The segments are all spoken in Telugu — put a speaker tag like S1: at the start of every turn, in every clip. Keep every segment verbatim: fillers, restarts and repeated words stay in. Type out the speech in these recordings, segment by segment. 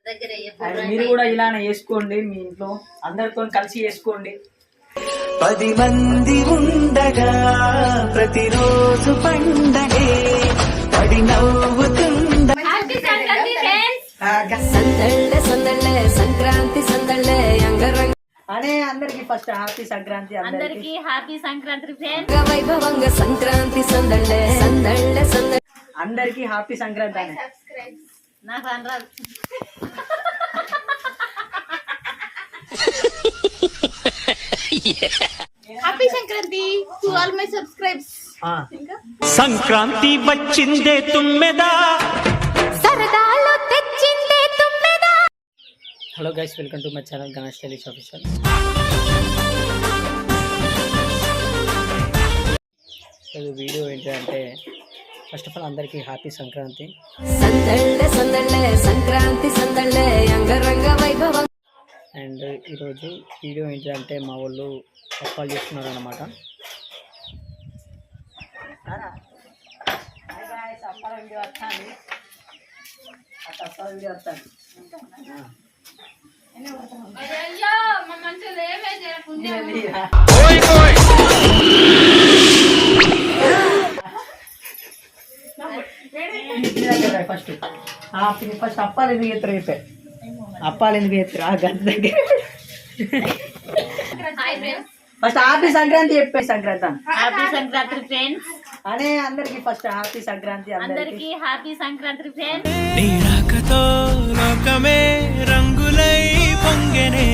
S1: మీరు కూడా ఇలానే చేసుకోండి, మీ ఇంట్లో అందరితో కలిసి చేసుకోండి.
S2: పది మంది ఉండగా ప్రతిరోజు పండగే పడి నవ్వుతుండ
S3: సందళ్ళే సందళ్ళే సంక్రాంతి సందళ్ళే అంగరంగ
S1: అనే అందరికి ఫస్ట్ హ్యాపీ సంక్రాంతి.
S4: అందరికి హ్యాపీ సంక్రాంతి ఫ్రెండ్స్.
S3: వైభవంగా సంక్రాంతి సందళ్ళే సందళ్ళే సందళ్ళే
S1: అందరికి హ్యాపీ సంక్రాంతి అనే
S4: నాకు అనరాదు.
S5: Happy Sankranti to all my subscribers.
S2: Sankranti వచ్చిందే తుమ్మెదా
S5: సరదాలు తెచ్చిందే తుమ్మెదా.
S1: Hello guys, welcome to my channel Ganesh టెలిష్ ఆఫీషియల్. ఇది వీడియో ఏంటంటే ఫస్ట్ ఆఫ్ ఆల్ అందరికీ హ్యాపీ సంక్రాంతి.
S3: సందళ్ళే సందళ్ళే సంక్రాంతి సందళ్ళే అంగరంగ వైభవం.
S1: అండ్ ఈరోజు వీడియో ఏంటంటే మా వాళ్ళు అప్పాలు చేస్తున్నారు అన్నమాట. ఫస్ట్ ఫస్ట్ అప్పాలు ఎందుకు చేస్తారు చెప్పే అప్పాలు ఎందుకు చేస్తారు ఆ గంట దగ్గర ఫస్ట్ హ్యాపీ సంక్రాంతి చెప్పే సంక్రాంతి
S4: హ్యాపీ సంక్రాంతి ఫ్రెండ్స్.
S1: అనే అందరికి ఫస్ట్ హ్యాపీ సంక్రాంతి.
S4: అందరికి హ్యాపీ సంక్రాంతి ఫ్రెండ్స్.
S2: నీ రాకతో లోకమే రంగులై పొంగెనే.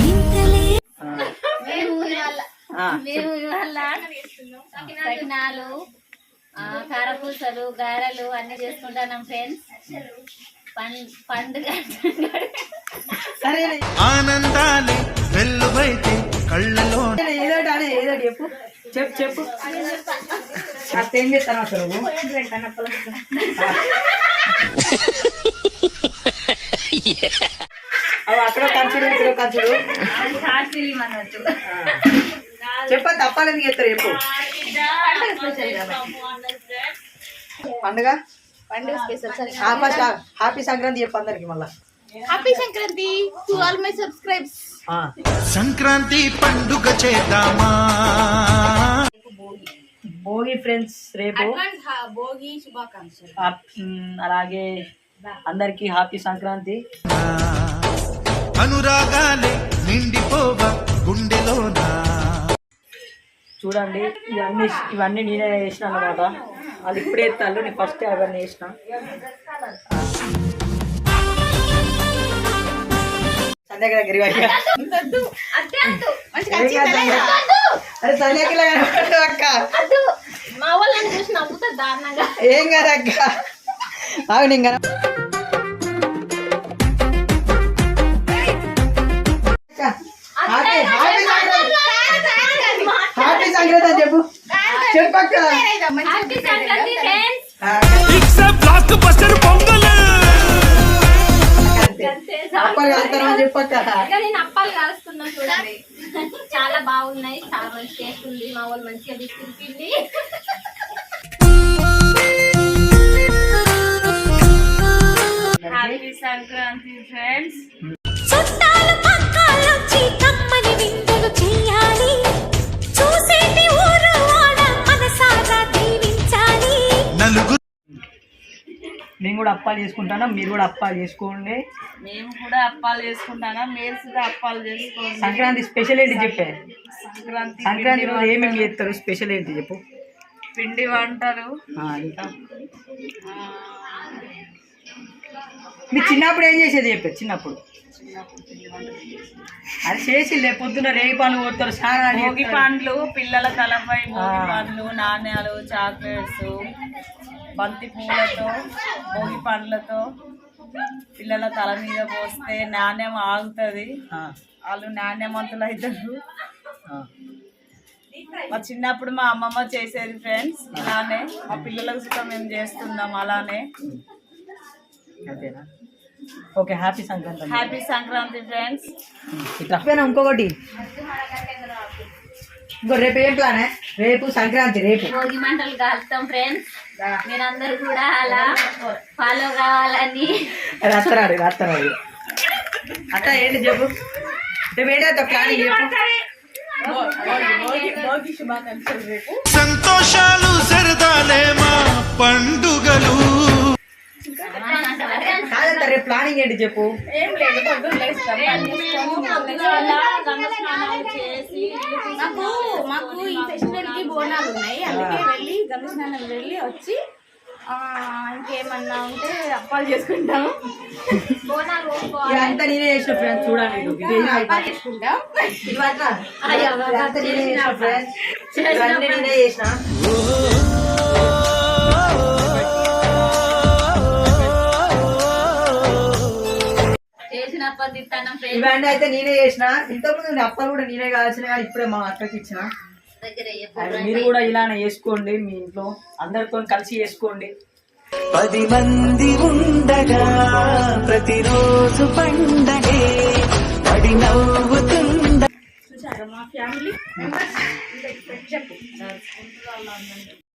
S4: మేము ఇవాళ మేము ఇవాళ సకినాలు, కారపూసలు, గారెలు అన్ని చేసుకుంటున్నాం ఫ్రెండ్స్. పండుగ
S1: సరే
S2: ఆనందాలే వెల్లువైతే కళ్ళలో
S1: ఏదోటి అనే ఏదోటి చెప్పు చెప్పు చెప్పు అత్త ఏం చేస్తాను అసలు అవి అక్కడ కంచుడు ఇక్కడ కంచుడు చెప్ప తప్పాలి ఎందుకు చేస్తారు చెప్పు. పండుగ
S5: పండుగ స్పెషల్.
S1: ఫస్ట్ హ్యాపీ సంక్రాంతి చెప్పు అందరికి మళ్ళా.
S5: Happy Sankranti to all my subscribers.
S2: Sankranti పండుగ చేద్దామా.
S1: భోగి ఫ్రెండ్స్ రేపు.
S5: భోగి శుభాకాంక్షలు.
S1: అలాగే అందరికి హ్యాపీ సంక్రాంతి.
S2: అనురాగాలే నిండిపోవా గుండెలోనా.
S1: చూడండి ఇవన్నీ ఇవన్నీ నేనే చేసిన అన్నమాట. వాళ్ళు ఇప్పుడే ఎత్తాళ్ళు, నేను ఫస్ట్ అవన్నీ చేసిన. సంధ్యాకి దగ్గర అరే సంధ్యాకి అక్క
S5: మా వాళ్ళని చూసి నవ్వుతారు దారుణంగా.
S1: ఏం కదా అక్క అవును ఇంకా హ్యాపీ సంక్రాంతి అని చెప్పు చెప్పక్క.
S4: Happy Sankranti friends.
S1: అప్పాలు కలుస్తారని చెప్పక్క.
S4: నేను అప్పాలు కాలుస్తున్నా చూడండి. చాలా బాగున్నాయి, చాలా మంచి టేస్ట్ ఉంది. మా వాళ్ళు మంచిగా తీసుకుంటుంది. Happy Sankranti friends.
S5: చుట్టాలు పక్కాలొచ్చి కమ్మని విందులు చేయాలి. చూసేటి ఊరు వాడ మనసారా దీవించాలి.
S2: నలుగురు
S1: మేము కూడా అప్పాలు చేసుకుంటాను, మీరు కూడా అప్పాలు చేసుకోండి.
S4: మేము కూడా అప్పాలు చేసుకుంటానా, మీరు కూడా అప్పాలు చేసుకోండి.
S1: సంక్రాంతి స్పెషల్ ఏంటి చెప్పే.
S4: సంక్రాంతి
S1: సంక్రాంతి రోజు ఏమేమి చేస్తారు స్పెషల్ ఏంటి చెప్పు.
S4: పిండి వంటలు.
S1: ఇంకా మీ చిన్నప్పుడు ఏం చేసేది చెప్పే. చిన్నప్పుడు అది చేసి లే పొద్దున రేగి పండ్లు కొడతారు,
S4: భోగి పండ్లు, పిల్లల తలపై భోగి పండ్లు, నాణ్యాలు, చాక్లెట్స్, బంతి పూలతో, భోగి పండ్లతో పిల్లల తల మీద పోస్తే నాణ్యం ఆగుతుంది, వాళ్ళు నాణ్యమంతులు అవుతారు. మా చిన్నప్పుడు మా అమ్మమ్మ చేసేది ఫ్రెండ్స్ ఇలానే. మా పిల్లలకు కూడా మేము చేస్తున్నాం అలానే.
S1: అంతేనా? Okay happy Sankranti.
S4: Happy Sankranti friends.
S1: ఇట్లా ఇంకొకటి ఇంకో రేపు ఏం ప్లాన్. రేపు సంక్రాంతి, రేపు
S4: భోగి మంటలు కాలుతాం ఫ్రెండ్స్. మీరందరూ కూడా అలా ఫాలో కావాలని
S1: రాత్రాడు రాత్రాడు అట్ట ఏంటి చెప్పు నువ్వేంటో ప్లానింగ్ చెప్పు
S5: భోగి శుభాకాంక్షలు రేపు.
S2: సంతోషాలు సరదాలే మా పండుగలు
S1: కాదంట రేపు ప్లానింగ్ ఏంటి చెప్పు
S5: ఏం లేదు, పొద్దున్న లేస్తాం, పని చేసుకొని మాకు మాకు ఈ ఫెస్టివల్ కి బోనాలు ఉన్నాయి, అందుకే వెళ్ళి గంగ స్నానం వెళ్ళి వచ్చి ఆ, ఇంకేమన్నా ఉంటే అప్పాలు చేసుకుంటాం.
S4: బోనాలు పోసుకోవాలి.
S1: ఇదంతా నేనే చేసిన ఫ్రెండ్స్ చూడండి ఇది. ఇది ఏం
S5: అప్పాలు
S1: అయిపోయింది.
S5: చేసుకుంటాం.
S1: ఇది పట్ల. ఇదంతా నేనే చేసిన ఫ్రెండ్స్ ఇవన్నీ నేనే చేసిన
S4: చేసిన పద్ధతి
S1: ఇవన్నీ అయితే నేనే చేసిన ఇంతకుముందు నేను అప్పలు కూడా నేనే కావాల్సిన కానీ ఇప్పుడే మా అక్కకి ఇచ్చిన
S4: దగ్గర
S1: అది మీరు కూడా ఇలానే చేసుకోండి మీ ఇంట్లో అందరితో కలిసి చేసుకోండి
S6: పది మంది ఉండగా ప్రతిరోజు పండగే పడి నవ్వుతుండ
S5: చూసారా మా ఫ్యామిలీ మెంబర్స్ చెప్పు.